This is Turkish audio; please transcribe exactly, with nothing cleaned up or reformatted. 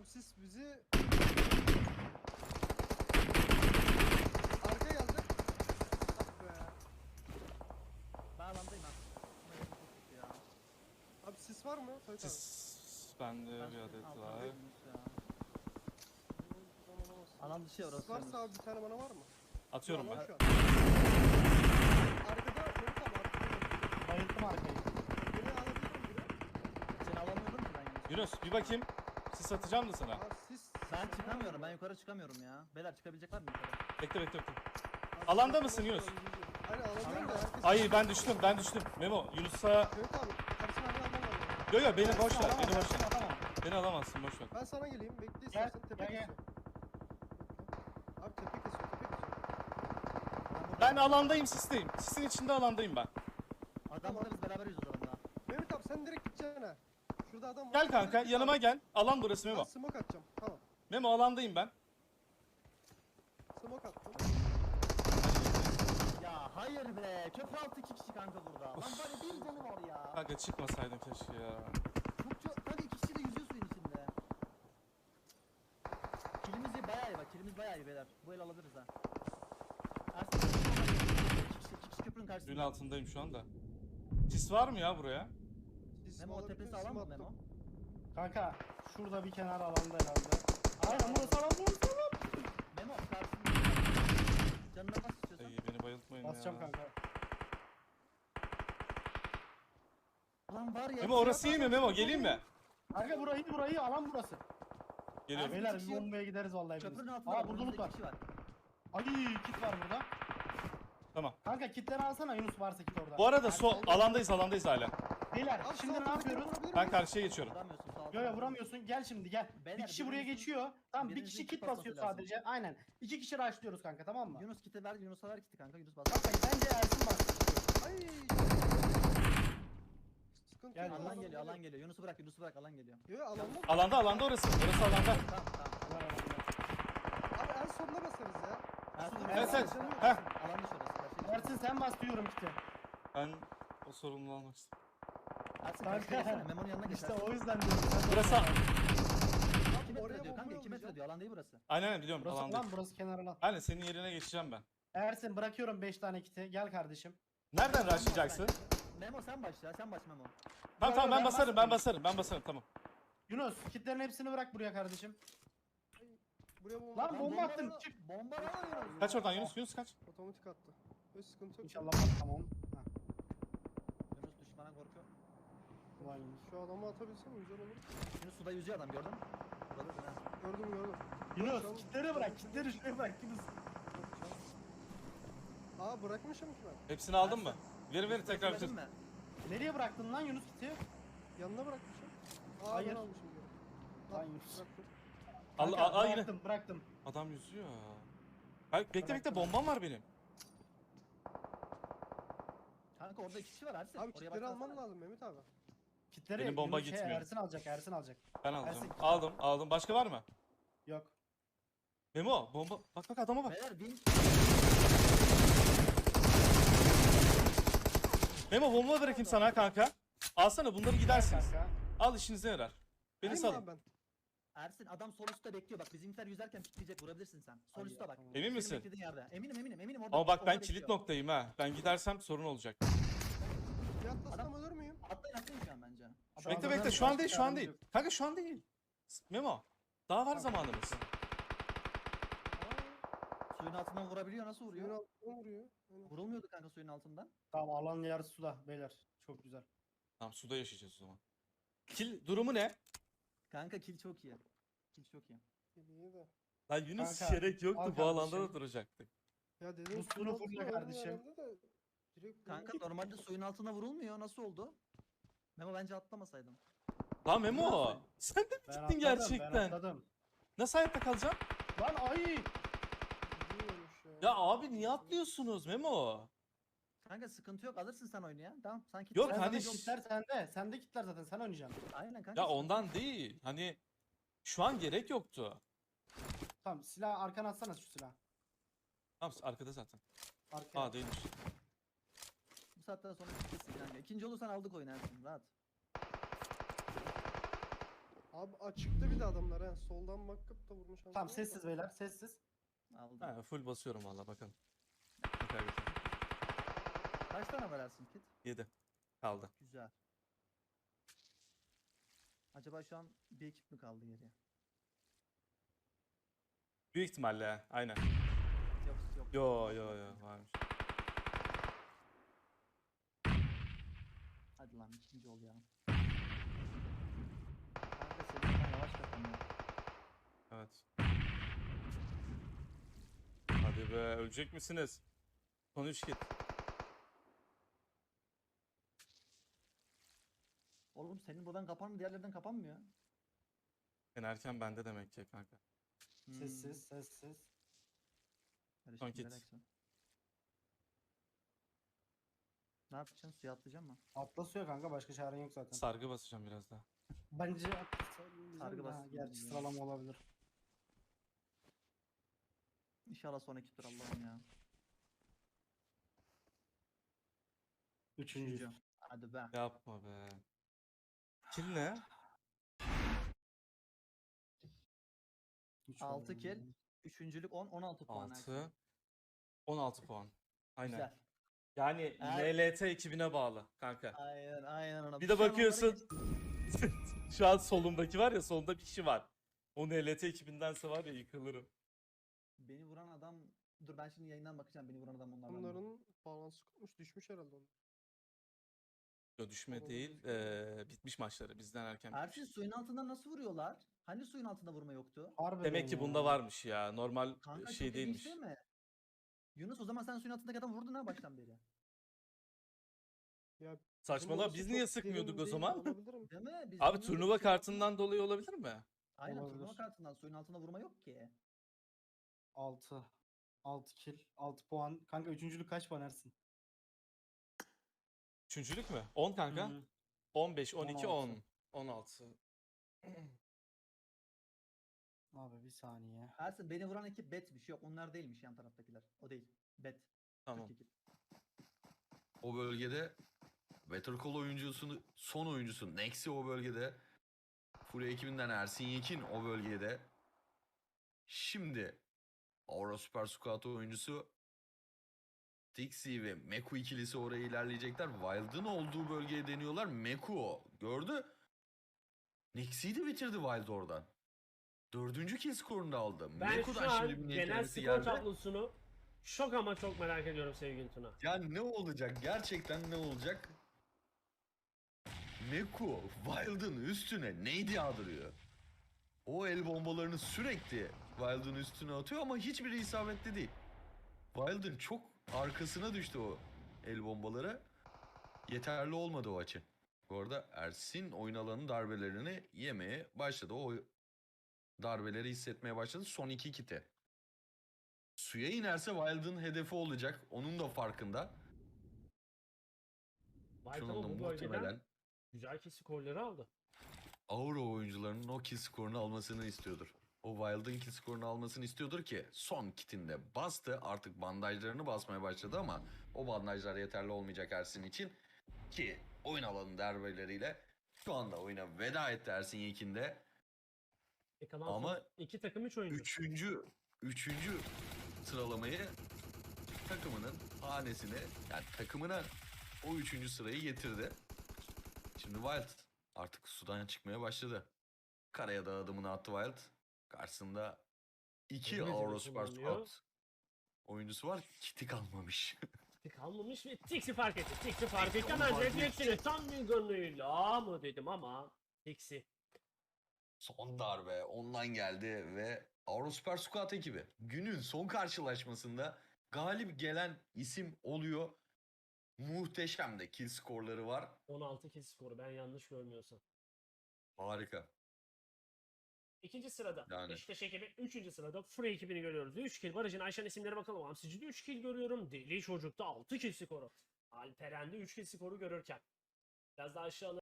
Abi siz bizi... Arka geldi. Ah be. Ben alandayım abi. Ya. Abi sis var mı? Sait abi. Sis bende Ben bir adet altına var. koydum ya. Alan dışı Sis orası. varsa abi bir tane bana var mı? Atıyorum Alan ben. şu an. Arkada Mehmet abi arkada. Bayıldım arkayı. Beni alabilir mi biri? Seni alamıyordum ki ben yine. Yunus bir bakayım. Sis atacağım da sana. Abi sis... Ben çıkamıyorum. Ben yukarı çıkamıyorum ya. Beyler çıkabilecek var mı yukarı? Bekle bekle bekle. Abi, Alanda sis- mısın Yunus? Aynen alandayım da herkes... Ay ben düştüm ben düştüm. Memo Yunus'a... Mehmet abi karşıma bir adam var. Yo yo beni boş ver. Alamam, Beni boş ver. alamam. Beni alamazsın boş ver. Ben sana geleyim. Bekle Gel, istersen tepe gel, gel. kesiyor. Bekle. Abi tepe kesiyor tepe kesiyor. Ben alandayım sisteyim. Sisin içinde alandayım ben. Adam burada biz beraberiz o zaman daha. Mehmet abi sen direkt gideceksin ha. Şurada adam var. Gel kanka Direkt git yanıma abi. gel. Alan burası Ben Memo. smoke atacağım. Tamam. Memo alandayım ben. Smoke attım. Ya hayır be. Köprü altı iki kişi kanka burada. Lan bari bir canı var ya. Kanka çıkmasaydım keşke ya. Çok çok. Kanka iki kişi de yüzüyor suyun içinde. Kilimiz iyi bayağı iyi bak. Kilimiz bayağı iyi beyler. Bu el alabiliriz ha. Ersin. İki kişi, iki kişi köprünün karşısında. Suyun altındayım şu anda. Sis var mı ya buraya? Sis Memo o olabilir, tepesi sim alan mı attım. Memo? Kanka şurada bir kenar alanda herhalde. Aynen burası alan burası alan. Memo karşısında. Canına bas istiyorsan. Ay beni bayıltmayın Basacağım ya. kanka. Lan var ya. Memo orası iyi mi Memo? Geleyim mi? Kanka burayı burayı alan burası. Geliyorum. Beyler kişi bir yok. bombaya gideriz vallahi biz. Köprünün altında. Aa burada loot var. Kişi var. Ay kit var burada. Tamam. Kanka kitleri alsana Yunus varsa kit orada. Bu arada sol alandayız alandayız hala. Beyler Abi şimdi sağ ne tarafa yapıyoruz? vurabilir Ben miyiz? karşıya geçiyorum. Vuramıyorsun sağ ol. Yo yo vuramıyorsun. Gel şimdi gel. Beyler, bir kişi buraya birinizin- geçiyor. Tamam bir birinizin kişi kit kit basıyor basması lazım. sadece. Aynen. İki kişi rushlıyoruz kanka tamam mı? Yunus kiti ver, Yunus'a ver kiti kanka. Yunus bas. Kanka bence Ersin bastı. Ay. Sıkıntı Gel, yok. Alan adam geliyor, alan geliyor. Yunus'u bırak, Yunus'u bırak, alan geliyor. Yo yo alanda mı? Alanda alanda orası. Orası alanda. Tamam, tamam. Abi en sonuna basarız ya. Ersin, Evet, Ersin, evet. Ersin, Heh. Ersin, alan dışı orası. karşıya geç. Ersin sen bas diyorum kiti. Ben o sorumluluğu almak istedim. Ersin, Kanka. karşıya geçsene. Memo'nun yanına geç. İşte Ersin. o yüzden diyorum. Sen Burası... iki Oraya metre diyor kanka, bomba iki metre yollayacağım. diyor. Alan değil burası. Aynen aynen biliyorum Burası alandayım. lan burası kenar alan. Aynen senin yerine geçeceğim ben. Ersin bırakıyorum beş tane kiti. Gel kardeşim. Nereden rushlayacaksın? Memo sen başla, sen baş Memo. Tamam tamam ben Ben basarım ben basmayayım. basarım ben basarım tamam. Yunus kitlerin hepsini bırak buraya kardeşim. Buraya bomba. Lan bomba attın, bomba- çık. Bomba lan Yunus. Kaç oradan Yunus Yunus kaç. Otomatik attı. Hiç sıkıntı yok. İnşallah bak tamam. Ha, Yunus düşmana korkuyor. ulan Yunus. Şu adamı atabilsem güzel olur. Yunus suda yüzüyor adam gördün mü? Burada da ha. Gördüm gördüm. Yunus kitleri bırak kitleri şuraya bırak Yunus. Aa bırakmışım ki ben. Hepsini aldın mı? Verin verin tekrar Söyledin bitir. mi? Nereye bıraktın lan Yunus kiti? Yanına bırakmışım. Aa Hayır. ben almışım. diyor. Lan Al, Yunus. bıraktım. Al Kanka, al al yine. Bıraktım bıraktım. Adam yüzüyor. Bak bekle bekle Bıraktım. bombam var benim. Kanka orada iki kişi var Ersin. Abi Oraya kitleri baksana. alman lazım Mehmet abi. Kitleri Benim bomba Yunus şey, gitmiyor. Ersin alacak Ersin alacak. Ben alacağım. Ersin- Aldım aldım. Başka var mı? Yok. Memo bomba. Bak bak adama bak. Beyler win. Memo bomba bırakayım sana kanka. Alsana bunları gidersiniz. Kanka. Al işinize yarar. Beni Geleyim mi abi salın. ben. Ersin adam sol üstte bekliyor bak bizimkiler yüzerken pikleyecek vurabilirsin sen. Sol Ay, üstte bak. tamam. Emin Senin misin? beklediğin yerde. Eminim eminim eminim orada. Ama bak ben orada kilit bekliyor. noktayım ha. Ben gidersem sorun olacak. Bir atlasam Adam- ölür müyüm? Atlayın atlayın şu an bence. Şu Bekle anda bekle ben şu an başka değil şu an çaremiz değil. yok. Kanka şu an değil. Memo. Daha var zamanımız. Suyun altından vurabiliyor nasıl Suyun vuruyor? altına vuruyor. Aynen. Vurulmuyordu kanka suyun altından. Tamam alan yarısı suda beyler. Çok güzel. Tamam suda yaşayacağız o zaman. Kil durumu ne? Kanka kill çok iyi. Kill çok iyi. İyi de. Lan Yunus Kanka, gerek yoktu al bu alanda da kardeşim. duracaktık. Ya dedim Bu suyun sunu altına fulle öldü kardeşim. herhalde de direkt Kanka vurdu. normalde suyun altına vurulmuyor nasıl oldu? Memo bence atlamasaydım. Lan Memo. Sen de mi Ben gittin atladım, gerçekten? Ben atladım. Nasıl hayatta kalacaksın? Lan ay. Gidiyormuş ya. Ya abi niye atlıyorsunuz Memo? Kanka sıkıntı yok alırsın sen oyunu ya. Tamam sanki. Yok, Sen hani zaten ş- kitler sende. Sende kitler zaten sen oynayacaksın. Aynen kanka. Ya sıkıntı ondan yok. değil. Hani şu an gerek yoktu. Tamam silah arkana atsana şu silah. Tamam arkada zaten. Arkaya. Aa değilmiş. Bu saatten sonra bitmesin kanka. İkinci olursan aldık oyunu Ersin rahat. Abi Abi açıkta bir de adamlar ha. Soldan bakıp da vurmuş. Tamam sessiz beyler sessiz. Aldım. Ha, full basıyorum valla bakalım. Ne kaybedeceğim? Kaç tane var Ersin kit? yedi. Kaldı. Güzel. Acaba şu an bir ekip mi kaldı geriye? Büyük ihtimalle ha, aynen. Yok yok. Yo yo yo varmış. Hadi lan ikinci ol ya. Kanka senin oradan yavaş kapanıyor. Evet. Hadi be, ölecek misiniz? Son üç kit. Oğlum senin buradan kapanmıyor, diğerlerden kapanmıyor. En erken bende demek ki kanka. Hmm. Sessiz sessiz. Karışık Son bir kit. reaksiyon. Ne yapacaksın? Suya atlayacak mı? Atla suya kanka başka çaren yok zaten. Sargı basacağım biraz daha. Bence atla Sargı ha, bas- gerçi ya. sıralama olabilir. İnşallah son ekiptir Allah'ım ya. Üçüncü. Hadi be. Yapma be. Kill ne? Üç altı var kill. yani. Üçüncülük on, on altı puan. Ersin. altı. on altı puan. Aynen. Güzel. Yani Eğer- N L T ekibine bağlı kanka. Aynen aynen ona. Bir Şu de an onlara bakıyorsun. geç- Şu an solumdaki var ya, solunda bir kişi var. O N L T ekibindense var ya yıkılırım. Beni vuran adam... Dur ben şimdi yayından bakacağım. Beni vuran adam onlardan. mı? Bunların balansı kopmuş. Düşmüş herhalde onlar. Yo, düşme Solumda değil. gözüküyor. eee, bitmiş maçları. Bizden erken Ersin bitmiş. suyun altından nasıl vuruyorlar? Hani suyun altında vurma yoktu? Harbiden Demek ki ya. bunda varmış ya. Normal Kanka şey çok ilginç değilmiş. değil mi? Yunus o zaman sen suyun altındaki adam vurdun ha baştan beri. Ya Saçmalama, burası biz çok niye derin sıkmıyorduk o değil, zaman? olabilir mi? Değil mi? Biz Abi bilmiyorduk, turnuva suyun altında- kartından dolayı olabilir mi? Aynen turnuva Olabilir. kartından suyun altında vurma yok ki. altı. altı kill. altı puan. Kanka üçüncülük kaç puan Ersin? Üçüncülük mü? on kanka. Hı. on beş, on iki, on altı. on. on altı. Abi bir saniye. Ersin beni vuran ekip bet bir şey yok. Onlar değilmiş yan taraftakiler. O değil. Bet. Tamam. Türk ekip. O bölgede Better Call oyuncusunu, son oyuncusu Nexi o bölgede. Fury ekibinden Ersin Yekin o bölgede. Şimdi Aura Super Squad oyuncusu Dixie ve Meku ikilisi oraya ilerleyecekler. Wild'ın olduğu bölgeye deniyorlar. Meku o. Gördü. Nexi'yi de bitirdi Wild oradan. Dördüncü kill skorunu da aldı. Ben Meku'dan şu an şimdi bir niyet genel denemesi skor geldi. tablosunu şok ama çok merak ediyorum sevgili Tuna. Ya ne olacak? Gerçekten ne olacak? Meku Wild'ın üstüne neydi yağdırıyor? O el bombalarını sürekli Wild'ın üstüne atıyor ama hiçbiri isabetli değil. Wild'ın çok arkasına düştü o el bombaları. Yeterli olmadı o açı. Bu arada Ersin oyun alanı darbelerini yemeye başladı. O darbeleri hissetmeye başladı. Son iki kiti. Suya inerse Wild'ın hedefi olacak. Onun da farkında. White Şu ama anda bu bölgeden muhtemelen güzel ki skorları aldı. Aura oyuncularının o kill skorunu almasını istiyordur. O Wild'ın kill skorunu almasını istiyordur ki son kitinde bastı. Artık bandajlarını basmaya başladı ama o bandajlar yeterli olmayacak Ersin için. Ki oyun alanı darbeleriyle şu anda oyuna veda etti Ersin Yekin'de. E kalan Ama son iki takım üç oyuncu. Üçüncü, üçüncü sıralamayı takımının hanesine, yani takımına o üçüncü sırayı getirdi. Şimdi Wild artık sudan çıkmaya başladı. Karaya da adımını attı Wild. Karşısında iki Hizmet Aura hizmet Super kullanıyor. Squad oyuncusu var. Kiti kalmamış. Tek kalmamış ve Tixi fark etti. Tixi fark etti. onu Hemen fark refleksini tam bir gönlüyle mı dedim ama Tixi. Son darbe ondan geldi ve Aura Super Squad ekibi günün son karşılaşmasında galip gelen isim oluyor. Muhteşem de kill skorları var. on altı kill skoru ben yanlış görmüyorsam. Harika. İkinci sırada Yani. Beşiktaş ekibi. Üçüncü sırada Free ekibini görüyoruz. üç kill. Barış'ın Ayşen isimlere bakalım. Hamsici'de üç kill görüyorum. Deli Çocuk'ta altı kill skoru. Alperen'de üç kill skoru görürken. Biraz daha aşağıda